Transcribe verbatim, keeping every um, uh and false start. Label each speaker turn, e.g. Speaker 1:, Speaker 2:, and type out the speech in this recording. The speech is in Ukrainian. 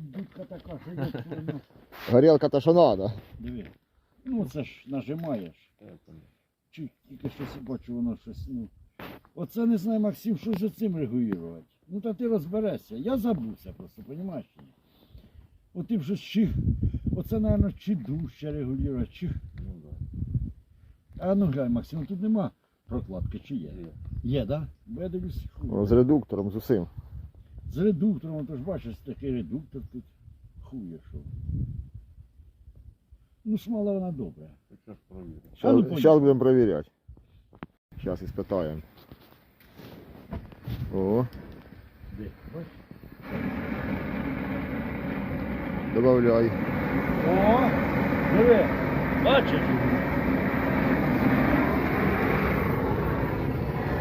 Speaker 1: тут дудка така, що як воно.
Speaker 2: Горілка та що надо.
Speaker 1: Диви. Ну це ж нажимаєш. Чи тільки щось бачу, воно щось, ну. Оце не знаю, Максим, що ж цим регулювати. Ну та ти розберешся. Я забувся просто, розумієш? От ти вже чи, оце, мабуть, чи дужче регулювати, чи...
Speaker 3: Ну да.
Speaker 1: А ну глянь, Максим, тут нема прокладки, чи є?
Speaker 3: Є.
Speaker 1: Є, так? Да? Бо я дивлюсь,
Speaker 2: О, з редуктором, з усім.
Speaker 1: з редуктором, то ж бачиш, такий редуктор тут хує що. Ну, смола вона добра.
Speaker 3: Хоча ж провіримо.
Speaker 1: А ну,
Speaker 2: Зараз
Speaker 1: поїхали.
Speaker 2: будемо перевіряти. Зараз іспитаємо. О,
Speaker 1: Де? Бачиш?
Speaker 2: добавляй.
Speaker 1: О, диви, бачиш?